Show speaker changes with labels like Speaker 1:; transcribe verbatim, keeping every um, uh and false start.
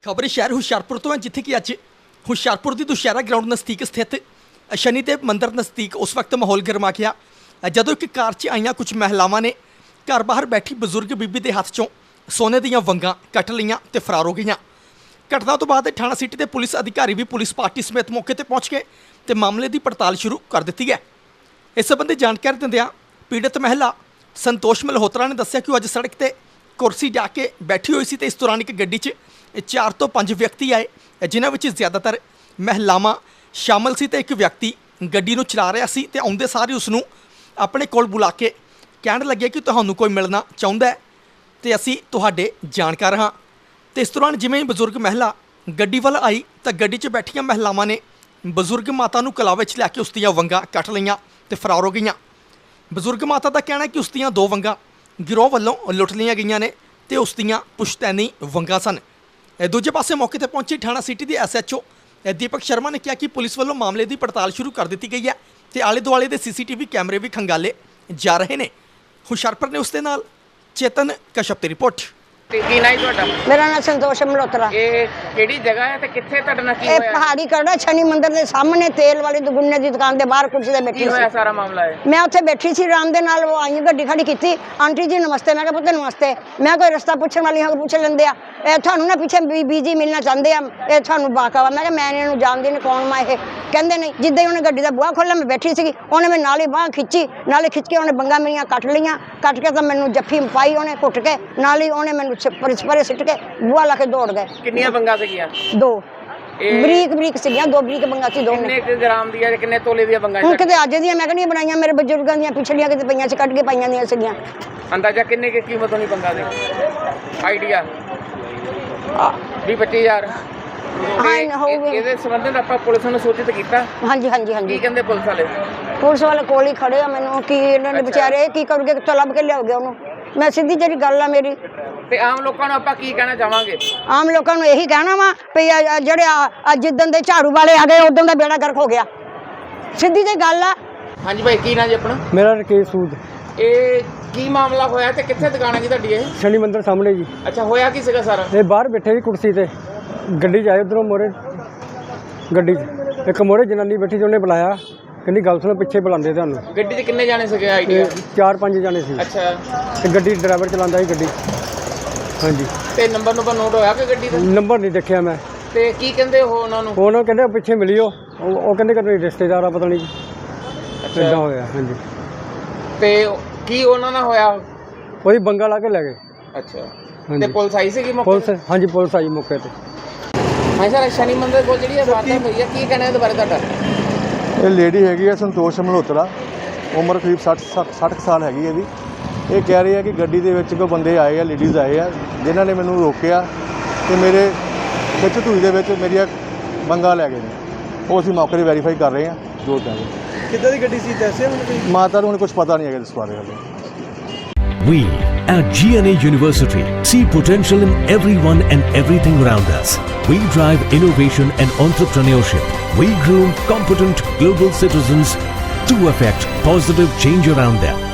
Speaker 1: ਖਬਰ ਸ਼ਹਿਰ ਹੁਸ਼ਿਆਰਪੁਰ ਤੋਂ ਹੈ, ਜਿੱਥੇ ਕਿ ਅੱਜ ਹੁਸ਼ਿਆਰਪੁਰ ਦੀ ਦੁਸ਼ਹਿਰਾ ਗਰਾਊਂਡ ਨਜ਼ਦੀਕ ਸਥਿਤ ਸ਼ਨੀਦੇਵ ਮੰਦਿਰ ਨਜ਼ਦੀਕ ਉਸ ਵਕਤ ਮਾਹੌਲ ਗਰਮਾ ਗਿਆ ਜਦੋਂ ਇੱਕ ਕਾਰ 'ਚ ਆਈਆਂ ਕੁਝ ਮਹਿਲਾਵਾਂ ਨੇ ਘਰ ਬਾਹਰ ਬੈਠੀ ਬਜ਼ੁਰਗ ਬੀਬੀ ਦੇ ਹੱਥ 'ਚੋਂ ਸੋਨੇ ਦੀਆਂ ਵੰਗਾਂ ਕੱਟ ਲਈਆਂ ਤੇ ਫਰਾਰ ਹੋ ਗਈਆਂ। ਘਟਨਾ ਤੋਂ ਬਾਅਦ ਥਾਣਾ ਸਿਟੀ ਦੇ ਪੁਲਿਸ ਅਧਿਕਾਰੀ ਵੀ ਪੁਲਿਸ ਪਾਰਟੀ ਸਮੇਤ ਮੌਕੇ ਤੇ ਪਹੁੰਚ ਗਏ ਤੇ ਮਾਮਲੇ ਦੀ ਪੜਤਾਲ ਸ਼ੁਰੂ ਕਰ ਦਿੱਤੀ ਹੈ। ਇਸ ਸੰਬੰਧੀ ਜਾਣਕਾਰੀ ਦਿੰਦਿਆਂ ਪੀੜਤ ਮਹਿਲਾ ਸੰਤੋਸ਼ ਮਲਹੋਤਰਾ ਨੇ ਦੱਸਿਆ ਕਿ ਉਹ ਅੱਜ ਸੜਕ ਤੇ ਕੁਰਸੀ ਜਾ ਕੇ ਬੈਠੀ ਹੋਈ ਸੀ ਤੇ ਇਸ ਦੌਰਾਨ ਇੱਕ ਗੱਡੀ 'ਚ ਚਾਰ ਤੋਂ ਪੰਜ ਵਿਅਕਤੀ ਆਏ, ਜਿਨ੍ਹਾਂ ਵਿੱਚ ਜ਼ਿਆਦਾਤਰ ਮਹਿਲਾਵਾਂ ਸ਼ਾਮਲ ਸੀ ਤੇ ਇੱਕ ਵਿਅਕਤੀ ਗੱਡੀ ਨੂੰ ਚਲਾ ਰਿਹਾ ਸੀ ਤੇ ਆਉਂਦੇ ਸਾਰ ਹੀ ਉਸ ਨੂੰ ਆਪਣੇ ਕੋਲ ਬੁਲਾ ਕੇ ਕਹਿਣ ਲੱਗੇ ਕਿ ਤੁਹਾਨੂੰ ਕੋਈ ਮਿਲਣਾ ਚਾਹੁੰਦਾ ਹੈ ਤੇ ਅਸੀਂ ਤੁਹਾਡੇ ਜਾਣਕਾਰ ਹਾਂ। ਤੇ ਇਸ ਦੌਰਾਨ ਜਿਵੇਂ ਹੀ ਬਜ਼ੁਰਗ ਮਹਿਲਾ ਗੱਡੀ ਵੱਲ ਆਈ ਤਾਂ ਗੱਡੀ 'ਚ ਬੈਠੀਆਂ ਮਹਿਲਾਵਾਂ ਨੇ ਬਜ਼ੁਰਗ ਮਾਤਾ ਨੂੰ ਕਲਾਵੇ 'ਚ ਲੈ ਕੇ ਉਸ ਦੀਆਂ ਵੰਗਾਂ ਕੱਟ ਲਈਆਂ ਤੇ ਫਰਾਰ ਹੋ ਗਈਆਂ। ਬਜ਼ੁਰਗ ਮਾਤਾ ਦਾ ਕਹਿਣਾ ਹੈ ਕਿ ਉਸ ਦੀਆਂ ਦੋ ਵੰਗਾਂ ਗਿਰੋਹ ਵੱਲੋਂ ਲੁੱਟ ਲਈਆਂ ਗਈਆਂ ਨੇ ਤੇ ਉਸ ਦੀਆਂ ਪੁਸ਼ਤੈਨੀ ਵੰਗਾਂ ਸਨ। ਦੂਜੇ ਪਾਸੇ ਮੌਕੇ ਤੇ ਪਹੁੰਚੀ ਥਾਣਾ ਸਿਟੀ ਦੇ S H O Deepak Sharma ਨੇ ਕਿਹਾ ਕਿ ਪੁਲਿਸ ਵੱਲੋਂ ਮਾਮਲੇ ਦੀ ਪੜਤਾਲ ਸ਼ੁਰੂ ਕਰ ਦਿੱਤੀ ਗਈ ਹੈ ਤੇ ਆਲੇ ਦੁਆਲੇ ਦੇ ਸੀ ਸੀ ਟੀ ਵੀ ਕੈਮਰੇ ਵੀ ਖੰਗਾਲੇ ਜਾ ਰਹੇ ਨੇ। ਹੁਸ਼ਿਆਰਪੁਰ ਨੇ ਉਸ ਦੇ ਨਾਲ ਚੇਤਨ ਕਸ਼ਪ ਦੀ ਰਿਪੋਰਟ।
Speaker 2: ਤੇ ਕੀ ਨਾਂ ਜੀ ਤੁਹਾਡਾ?
Speaker 3: ਮੇਰਾ ਨਾਮ ਸੰਤੋਸ਼ ਮਲਹੋਤਰਾ।
Speaker 2: ਇਹ ਕਿਹੜੀ ਜਗ੍ਹਾ ਹੈ ਤੇ ਕਿੱਥੇ ਤੁਹਾਡੇ ਨਾਲ ਕੀ
Speaker 3: ਇਹ
Speaker 2: ਹੋਇਆ?
Speaker 3: ਪਹਾੜੀ ਕਰੜਾ ਸ਼ਨੀ ਮੰਦਿਰ ਦੇ ਸਾਹਮਣੇ ਤੇਲ ਵਾਲੀ ਦੁਗੁੰਨੇ ਦੀ ਦੁਕਾਨ ਦੇ ਬਾਹਰ ਕੁਰਸੀ ਤੇ ਬੈਠੀ
Speaker 2: ਕੀ ਹੋਇਆ
Speaker 3: ਸੀ।
Speaker 2: ਸਾਰਾ ਮਾਮਲਾ ਹੈ?
Speaker 3: ਮੈਂ ਉੱਥੇ ਬੈਠੀ ਸੀ ਆਰਾਮ ਦੇ ਨਾਲ, ਉਹ ਆਈ ਗੱਡੀ ਖੜੀ ਕੀਤੀ, ਆਂਟੀ ਜੀ ਨਮਸਤੇ। ਮੈਂ ਕਿਹਾ ਪੁੱਤ ਨਮਸਤੇ, ਮੈਂ ਕੋਈ ਰਸਤਾ ਪੁੱਛਣ ਵਾਲੀ ਹਾਂ, ਪੁੱਛ ਲੈਂਦੇ ਆ। ਇਹ ਤੁਹਾਨੂੰ ਨਾ ਪਿੱਛੇ ਬੀਬੀ ਜੀ ਮਿਲਣਾ ਚਾਹੁੰਦੇ ਆ, ਇਹ ਤੁਹਾਨੂੰ ਬਾਕਾਵਾ। ਮੈਂ ਕਿਹਾ ਮੈਂ ਇਹਨਾਂ ਨੂੰ ਜਾਣਦੀ ਨਹੀਂ, ਕੌਣ ਮੈਂ ਇਹ? ਕਹਿੰਦੇ ਨਹੀਂ। ਜਿੱਦਾਂ ਹੀ ਉਹਨੇ ਗੱਡੀ ਦਾ ਬੂਹਾ ਖੋਲ੍ਹਿਆ, ਮੈਂ ਬੈਠੀ ਸੀਗੀ, ਉਹਨੇ ਮੈਂ ਨਾਲੇ ਬਾਂਹ ਖਿੱਚੀ, ਨਾਲੇ ਖਿੱਚ ਕੇ ਉਹਨੇ ਬੰਗਾ ਮੇਰੀਆਂ ਕੱਟ ਲਈਆਂ। ਕੱਟ ਕੇ ਤਾਂ ਮੈਨੂੰ ਜੱਫੀ ਪਾਈ ਉਹਨੇ ਘੁੱਟ ਕੇ, ਨਾਲ ਹੀ ਉਹਨੇ ਮੈਨੂੰ ਪਰੇ ਸਿੱਟ ਕੇ ਬੂਹਾ ਲਾ ਕੇ ਦੌੜ ਗਏ।
Speaker 2: ਕਿੰਨੀਆਂ ਬੰਗਾਂ ਸੀਗੀਆਂ?
Speaker 3: ਦੋ
Speaker 2: ਇਹ
Speaker 3: ਬਰੀਕ ਬਰੀਕ ਸੀਗੀਆਂ, ਦੋ ਬਰੀਕ ਬੰਗਾ ਸੀ। ਦੋ
Speaker 2: ਕਿੰਨੇ ਕੁ ਗ੍ਰਾਮ ਦੀਆਂ ਤੇ ਕਿੰਨੇ ਤੋਲੇ ਦੀਆਂ ਬੰਗਾਂ?
Speaker 3: ਹੁਣ ਕਿਤੇ ਅੱਜ ਦੀਆਂ ਮੈਂ ਕਹਿੰਦੀ ਬਣਾਈਆਂ, ਮੇਰੇ ਬਜ਼ੁਰਗਾਂ ਦੀਆਂ ਪਿਛਲੀਆਂ ਕਿਤੇ ਪਈਆਂ ਸੀ, ਕੱਢ ਕੇ ਪਾਈਆਂ ਦੀਆਂ ਸੀਗੀਆਂ।
Speaker 2: ਅੰਦਾਜ਼ਾ ਕਿੰਨੇ ਕੀ ਕੀਮਤ ਹੋਣੀ ਬੰਗਾਂ ਦੀ? ਆਈਡੀਆ ਵੀਹ ਪੱਚੀ ਹਜ਼ਾਰ।
Speaker 3: ਹਾਂ ਹੋਊਗੀ।
Speaker 2: ਇਹਦੇ ਸੰਬੰਧਿਤ ਆਪਾਂ ਪੁਲਿਸ ਨੂੰ ਸੂਚਿਤ ਕੀਤਾ?
Speaker 3: ਹਾਂਜੀ ਹਾਂਜੀ
Speaker 2: ਕੀ
Speaker 3: ਹਾਂਜੀ।
Speaker 2: ਕਹਿੰਦੇ ਪੁਲਿਸ ਵਾਲੇ?
Speaker 3: ਪੁਲਿਸ ਵਾਲੇ ਕੋਲ ਹੀ ਖੜੇ ਆ। ਮੈਨੂੰ ਕੀ ਇਹਨਾਂ ਨੇ ਵਿਚਾਰੇ ਕੀ ਕਰੂਗੇ, ਕਿੱਥੋਂ ਲੱਭ ਕੇ ਲਿਆਓਗੇ ਉਹਨੂੰ? ਮੈਂ ਸਿੱਧੀ ਜਿਹੜੀ ਗੱਲ ਆ ਮੇਰੀ।
Speaker 2: ਤੇ ਆਮ ਲੋਕਾਂ ਨੂੰ ਆਪਾਂ ਕੀ ਕਹਿਣਾ ਚਾਹਾਂਗੇ?
Speaker 3: ਆਮ ਲੋਕਾਂ ਨੂੰ ਇਹੀ ਕਹਿਣਾ ਵਾ ਵੀ ਆ- ਆ ਜਿਹੜੇ ਆ ਜਿੱਦਣ ਦੇ ਝਾੜੂ ਵਾਲੇ ਆ ਗਏ ਉਦੋਂ ਦਾ ਬੇੜਾ ਗਰਕ ਹੋ ਗਿਆ। ਸਿੱਧੀ ਜਿਹੀ ਗੱਲ ਆ।
Speaker 2: ਹਾਂਜੀ ਭਾਈ, ਕੀ ਨਾਂ ਜੀ ਆਪਣਾ?
Speaker 4: ਮੇਰਾ ਰਕੇਸ਼ ਸੂਦ।
Speaker 2: ਇਹ ਕੀ ਮਾਮਲਾ ਹੋਇਆ ਤੇ ਕਿੱਥੇ ਦੁਕਾਨ ਹੈ ਜੀ ਤੁਹਾਡੀ ਇਹ?
Speaker 4: ਸ਼ਨੀ ਮੰਦਿਰ ਸਾਹਮਣੇ ਜੀ।
Speaker 2: ਅੱਛਾ, ਹੋਇਆ ਕੀ ਸੀਗਾ ਸਾਰਾ?
Speaker 4: ਇਹ ਬਾਹਰ ਬੈਠੇ ਸੀ ਕੁਰਸੀ ਤੇ, ਗੱਡੀ 'ਚ ਆਏ ਉੱਧਰੋਂ ਮੋਰੇ ਗੱਡੀ 'ਚ ਇੱਕ ਮੋਰੇ ਜਨਾਨੀ ਬੈਠੀ ਸੀ, ਉਹਨੇ ਬੁਲਾਇਆ, ਕਹਿੰਦੀ ਗੱਲ ਸੁਣੋ, ਪਿੱਛੇ ਬੁਲਾਉਂਦੇ ਤੁਹਾਨੂੰ।
Speaker 2: ਗੱਡੀ 'ਚ ਕਿੰਨੇ ਜਾਣੇ ਸੀਗੇ ਆਈਡੀਆ?
Speaker 4: ਤੇ ਚਾਰ ਪੰਜ ਜਾਣੇ ਸੀ
Speaker 2: ਅੱਛਾ,
Speaker 4: ਤੇ ਗੱਡੀ ਡਰਾਈਵਰ ਚਲਾਉਂਦਾ ਸੀ ਗੱਡੀ। ਹਾਂਜੀ।
Speaker 2: ਤੇ ਨੰਬਰ ਨੰਬਰ ਨੋਟ ਹੋਇਆ ਕਿ ਗੱਡੀ ਦਾ?
Speaker 4: ਨੰਬਰ ਨਹੀਂ ਦੇਖਿਆ ਮੈਂ।
Speaker 2: ਤੇ ਕੀ ਕਹਿੰਦੇ ਹੋ ਉਹਨਾਂ ਨੂੰ?
Speaker 4: ਉਹਨਾਂ ਕਹਿੰਦੇ ਉਹ ਪਿੱਛੇ ਮਿਲਿਓ, ਉਹ ਉਹ ਕਹਿੰਦੇ ਕਿ ਰਿਸ਼ਤੇਦਾਰ ਆ, ਪਤਾ ਨਹੀਂ ਕਿੱਦਾਂ ਹੋਇਆ। ਹਾਂਜੀ।
Speaker 2: ਤੇ ਕੀ ਉਹਨਾਂ ਨਾਲ ਹੋਇਆ?
Speaker 4: ਉਹਦੀ ਬੰਗਾ ਲਾ ਕੇ ਲੈ ਗਏ।
Speaker 2: ਅੱਛਾ। ਤੇ
Speaker 4: ਹਾਂਜੀ।
Speaker 2: ਪੁਲਿਸ ਆਈ ਸੀਗੀ ਮੌਕੇ
Speaker 4: ਪੁਲਿਸ,
Speaker 2: ਤੇ?
Speaker 4: ਹਾਂਜੀ ਪੁਲਿਸ ਆਈ ਮੌਕੇ ਤੇ।
Speaker 2: ਹਾਂ ਸਰ, ਸ਼ਨੀ ਮੰਦਿਰ ਕੋਲ ਜਿਹੜੀ ਇਹ ਵਾਰਦਾਤ ਹੋਈ ਹੈ, ਕੀ ਕਹਿਣਾ ਇਹਦੇ ਬਾਰੇ ਤੁਹਾਡਾ?
Speaker 5: ਇਹ ਲੇਡੀ ਹੈਗੀ ਹੈ ਸੰਤੋਸ਼ ਮਲਹੋਤਰਾ, ਉਮਰ ਕਰੀਬ ਸੱਠ ਸੱਠ ਕੁ ਸਾਲ ਹੈਗੀ ਇਹਦੀ। ਇਹ ਕਹਿ ਰਹੇ ਆ ਕਿ ਗੱਡੀ ਦੇ ਵਿੱਚ ਕੋਈ ਬੰਦੇ ਆਏ ਆ, ਲੇਡੀਜ਼ ਆਏ ਆ, ਜਿਨ੍ਹਾਂ ਨੇ ਮੈਨੂੰ ਰੋਕਿਆ ਤੇ ਮੇਰੇ ਖਿੱਚ ਧੂਈ ਦੇ ਵਿੱਚ ਮੇਰੀਆਂ ਬੰਗਾ ਲੈ ਗਏ ਨੇ। ਉਹ ਅਸੀਂ ਮੌਕੇ 'ਤੇ ਵੈਰੀਫਾਈ ਕਰ ਰਹੇ ਹਾਂ ਜੋ ਚਾਹੀਦਾ।
Speaker 4: ਕਿੱਦਾਂ ਦੀ ਗੱਡੀ ਸੀ ਦੱਸਿਆ ਮੈਨੂੰ?
Speaker 5: ਮਾਤਾ ਨੂੰ ਹੁਣ ਕੁਝ ਪਤਾ ਨਹੀਂ ਹੈਗਾ ਇਸ ਬਾਰੇ ਵੱਲੋਂ।
Speaker 6: We at G N A University see potential in everyone and everything around us. We drive innovation and entrepreneurship. We groom competent global citizens to affect positive change around them.